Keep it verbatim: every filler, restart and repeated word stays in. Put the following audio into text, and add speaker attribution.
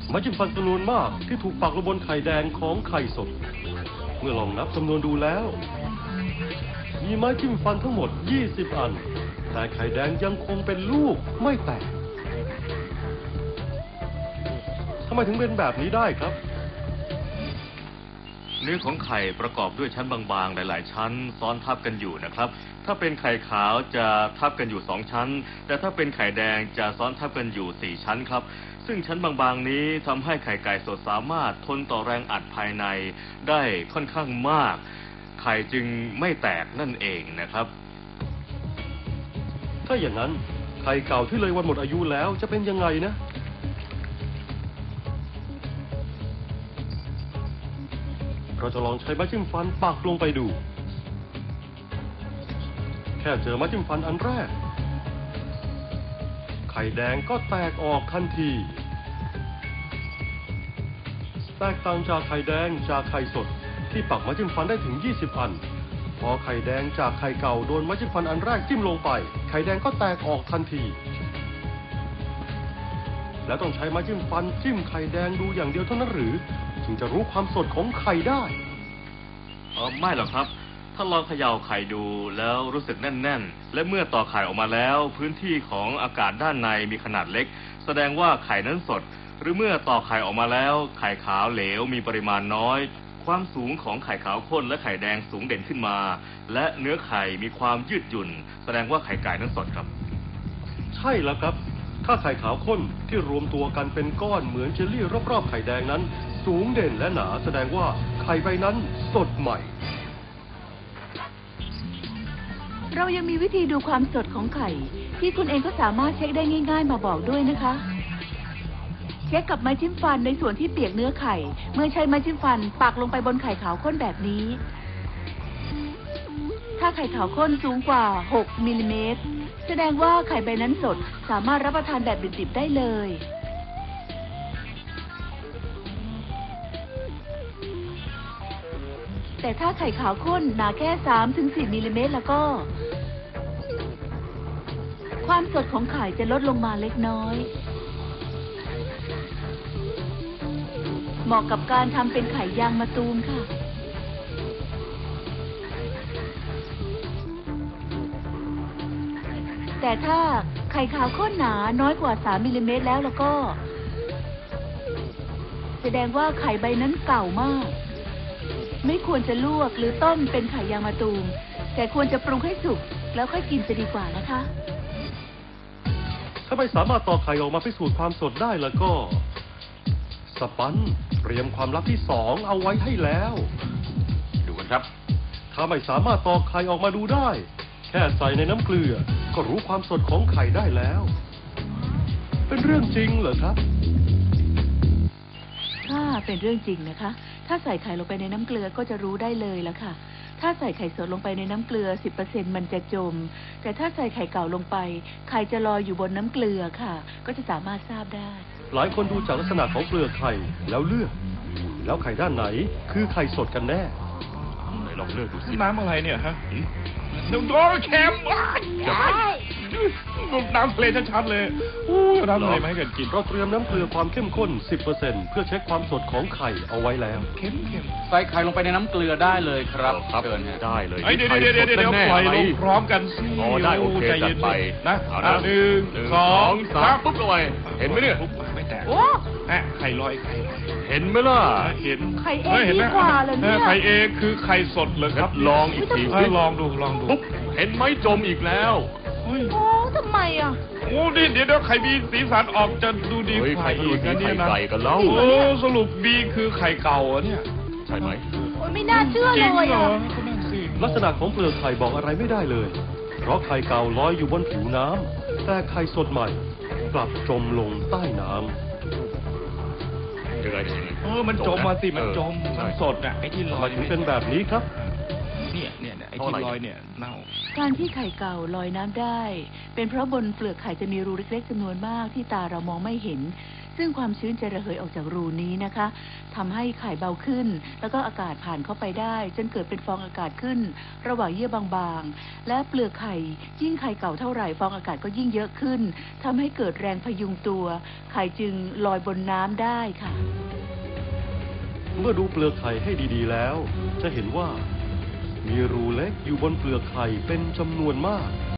Speaker 1: ไม้จิ้มฟันจำนวนมากที่ถูกปักลงบนไข่แดงของไข่สดเมื่อลองนับจำนวนดูแล้วมีไม้จิ้มฟันทั้งหมดยี่สิบอันแต่ไข่แดงยังคงเป็นลูกไม่แตกทำไมถึงเป็นแบบนี้ได้ครับ
Speaker 2: เนื้อของไข่ประกอบด้วยชั้นบางๆหลายๆชั้นซ้อนทับกันอยู่นะครับถ้าเป็นไข่ขาวจะทับกันอยู่สองชั้นแต่ถ้าเป็นไข่แดงจะซ้อนทับกันอยู่สี่ชั้นครับซึ่งชั้นบางๆนี้ทำให้ไข่ไก่สดสามารถทนต่อแรงอัดภายในได้ค่อนข้างมากไข่จึงไม่แตกนั่นเองนะครับ
Speaker 1: ถ้าอย่างนั้นไข่เก่าที่เลยวันหมดอายุแล้วจะเป็นยังไงนะเราจะลองใช้ไม้จิ้มฟันปักลงไปดูแค่เจอไม้จิ้มฟันอันแรกไข่แดงก็แตกออกทันทีแตกต่างจากไข่แดงจากไข่สดที่ปักไม้จิ้มฟันได้ถึงยี่สิบอันพอไข่แดงจากไข่เก่าโดนไม้จิ้มฟันอันแรกจิ้มลงไปไข่แดงก็แตกออกทันทีแล้วต้องใช้ไม้จิ้มฟันจิ้มไข่แดงดูอย่างเดียวเท่านั้นหรือถึงจะรู้ความสดของไข่ได้
Speaker 2: เออไม่หรอกครับถ้าลองเขย่าไข่ดูแล้วรู้สึกแน่นๆและเมื่อต่อไข่ออกมาแล้วพื้นที่ของอากาศด้านในมีขนาดเล็กแสดงว่าไข่นั้นสดหรือเมื่อต่อไข่ออกมาแล้วไข่ขาวเหลวมีปริมาณน้อยความสูงของไข่ขาวข้นและไข่แดงสูงเด่นขึ้นมาและเนื้อไข่มีความยืดหยุ่นแสดงว่าไข่ไก่นั้นสดครับ
Speaker 1: ใช่แล้วครับถ้าไข่ขาวข้นที่รวมตัวกันเป็นก้อนเหมือนเจลลี่รอบๆไข่แดงนั้นสูงเด่นและหนาแสดงว่าไข่ใบนั้นสดใหม่
Speaker 3: เรายังมีวิธีดูความสดของไข่ที่คุณเองก็สามารถเช็คได้ง่ายๆมาบอกด้วยนะคะเช็คกับไม้จิ้มฟันในส่วนที่เปียกเนื้อไข่เมื่อใช้ไม้จิ้มฟันปักลงไปบนไข่ขาวข้นแบบนี้ถ้าไข่ขาวข้นสูงกว่าหกมิลลิเมตรแสดงว่าไข่ใบนั้นสดสามารถรับประทานแบบดิบๆได้เลยแต่ถ้าไข่ขาวข้นหนาแค่ สามถึงสี่ มิลลิเมตรแล้วก็ความสดของไข่จะลดลงมาเล็กน้อยเหมาะกับการทำเป็นไข่ยางมะตูมค่ะแต่ถ้าไข่ขาวข้นหนาน้อยกว่าสามมิลลิเมตรแล้วแล้วก็แสดงว่าไข่ใบนั้นเก่ามากไม่ควรจะลวกหรือต้มเป็นไข่ยางมะตูมแต่ควรจะปรุงให้สุกแล้วค่อยกินจะดีกว่านะคะ
Speaker 1: ถ้าไม่สามารถต่อไข่ออกมาพิสูจน์ความสดได้แล้วก็สปันเตรียมความลับที่สองเอาไว้ให้แล้ว
Speaker 2: ดูกันครับ
Speaker 1: ถ้าไม่สามารถต่อไข่ออกมาดูได้แค่ใส่ในน้ำเกลือก็รู้ความสดของไข่ได้แล้วเป็นเรื่องจริงเหรอครับ
Speaker 3: ถ้าเป็นเรื่องจริงนะคะถ้าใส่ไข่ลงไปในน้ำเกลือก็จะรู้ได้เลยละค่ะถ้าใส่ไข่สดลงไปในน้ำเกลือ สิบเปอร์เซ็นต์ มันจะจมแต่ถ้าใส่ไข่เก่าลงไปไข่จะลอยอยู่บนน้ำเกลือค่ะก็จะสามารถทราบได้
Speaker 1: หลายคนดูจากลักษณะของเปลือกไข่แล้วเลือกแล้วไข่ด้านไหนคือไข่สดกันแน่
Speaker 2: ไหนลองเลือกดูสิ
Speaker 4: น้ำอะไรเนี่ยฮะน้ำโดนเค็มว้ายน้ำทะเลชัดๆเลยอู้น้ำทะเลมาให้กันกิน
Speaker 1: เราเตรียมน้ำเกลือความเข้มข้น สิบเปอร์เซ็นต์ เพื่อเช็คความสดของไข่เอาไว้แล้ว
Speaker 4: เค็ม
Speaker 5: ๆใส่ไข่ลงไปในน้ำเกลือได้เลยครับ
Speaker 2: เชิญได้เลย
Speaker 4: เดี๋ยวเดี๋ยวเดี๋ยวเดี๋ยวปล่อยลงพร้อมกันสิ
Speaker 2: อ๋อได้โอเคจัดไป
Speaker 4: นะหนึ่งสองสาม
Speaker 2: ปุ๊บเลยเห็นไหมเนี่ย
Speaker 4: ไม่แตกโอ้ไข่ลอยไข่
Speaker 2: เห็นไหมล่ะ
Speaker 4: เห็น
Speaker 3: ไข่เองดีกว่าเลยเนี่ย
Speaker 4: ไข่เองคือไข่สดเลยครับ
Speaker 2: ลองอีกที
Speaker 4: ลองดูลองดู
Speaker 2: ปุ๊บเห็นไหมจมอีกแล้ว
Speaker 3: โอ้ทำไมอ่ะ
Speaker 4: โอ้ดิเดี๋ยวไข่มีสีสันออกจะดูดี
Speaker 2: ไข่อีกนะเนี่ยนะไข่กันแล้ว
Speaker 4: โอ้สรุปบีคือไข่เก่าเนี่ย
Speaker 2: ใช่ไหม
Speaker 3: โอ้ไม่น่าเชื่อเลยอ่ะ
Speaker 1: ลักษณะของเปลือกไข่บอกอะไรไม่ได้เลยเพราะไข่เก่าลอยอยู่บนผิวน้ำแต่ไข่สดใหม่กลับจมลงใต้น้ำ
Speaker 4: เออมันจมมาสิมันจมมันสดอ่ะไอ้ที่ลอย
Speaker 1: ถึงเป็นแบบนี้ครับ
Speaker 4: เนี่ยเนี่ยไอ้ที่ลอยเนี่ยเน่า
Speaker 3: การที่ไข่เก่าลอยน้ำได้ เป็นเพราะบนเปลือกไข่จะมีรูเล็กๆจำนวนมากที่ตาเรามองไม่เห็น ซึ่งความชื้นจะระเหยออกจากรูนี้นะคะทำให้ไข่เบาขึ้น แล้วก็อากาศผ่านเข้าไปได้จนเกิดเป็นฟองอากาศขึ้น ระหว่างเยื่อบางๆและเปลือกไข่ยิ่งไข่เก่าเท่าไหร่ฟองอากาศก็ยิ่งเยอะขึ้นทำให้เกิดแรงพยุงตัว ไข่จึงลอยบนน้ำได้ค่ะ
Speaker 1: เมื่อดูเปลือกไข่ให้ดีๆแล้ว จะเห็นว่า มีรูเล็กอยู่บนเปลือกไข่เป็นจำนวนมาก